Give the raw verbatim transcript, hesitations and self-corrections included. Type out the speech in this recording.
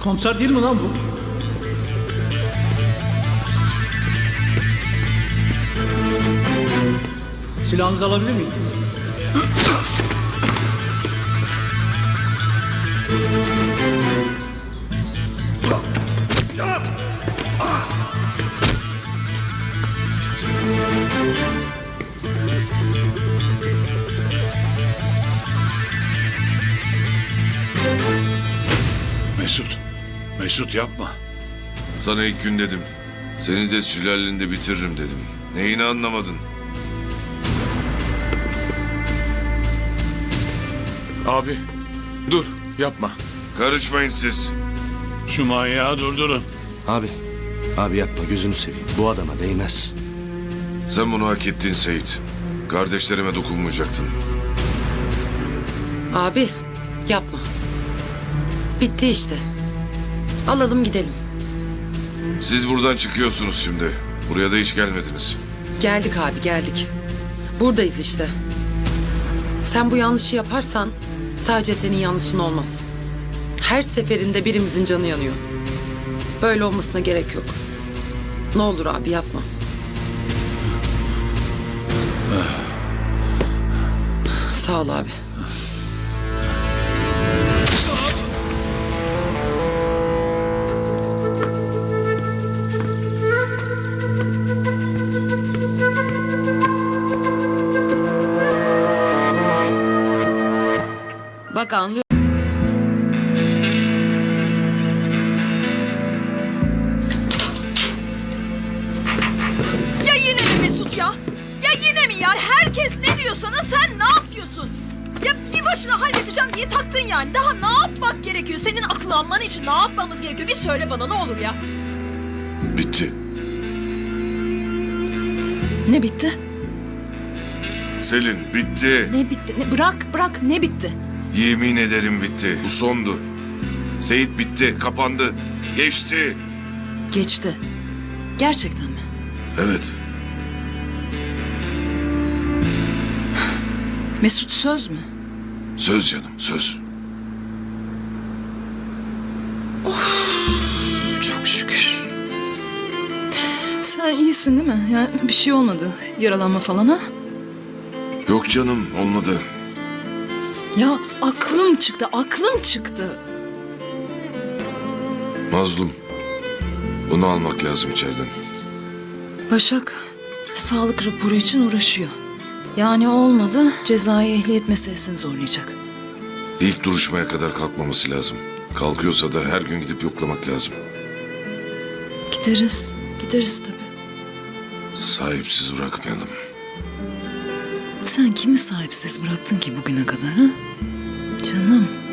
Komiser değil mi lan bu? Silahınızı alabilir miyim? Mesut, Mesut yapma. Sana ilk gün dedim. Seni de sülalende bitiririm dedim. Neyini anlamadın? Abi, dur, yapma. Karışmayın siz. Şu manyağı durdurun. Abi, abi yapma gözünü seveyim. Bu adama değmez. Sen bunu hak ettin Seyit. Kardeşlerime dokunmayacaktın. Abi yapma. Bitti işte. Alalım gidelim. Siz buradan çıkıyorsunuz şimdi. Buraya da hiç gelmediniz. Geldik abi geldik. Buradayız işte. Sen bu yanlışı yaparsan sadece senin yanlışın olmaz. Her seferinde birimizin canı yanıyor. Böyle olmasına gerek yok. Ne olur abi yapma. Sağ ol abi. Bak anlıyor. Ya yine mi Mesut ya? Ya yine mi ya? Herkes ne diyor sana, sen ne yapıyorsun? Ya bir başına halledeceğim diye taktın yani. Daha ne yapmak gerekiyor? Senin akıllanman için ne yapmamız gerekiyor? Bir söyle bana ne olur ya. Bitti. Ne bitti? Selin bitti. Ne bitti? Ne, bırak bırak ne bitti? Yemin ederim bitti. Bu sondu. Seyit bitti. Kapandı. Geçti. Geçti. Gerçekten mi? Evet. Mesut söz mü? Söz canım söz. Çok şükür. Sen iyisin değil mi? Yani bir şey olmadı. Yaralanma falan ha? Yok canım olmadı. Ya aklım çıktı, aklım çıktı. Mazlum. Bunu almak lazım içeriden. Başak sağlık raporu için uğraşıyor. Yani olmadı, cezai ehliyet meselesini zorlayacak. İlk duruşmaya kadar kalkmaması lazım. Kalkıyorsa da her gün gidip yoklamak lazım. Gideriz, gideriz tabii. Sahipsiz bırakmayalım. Sen kimi sahipsiz bıraktın ki bugüne kadar ha? Canım.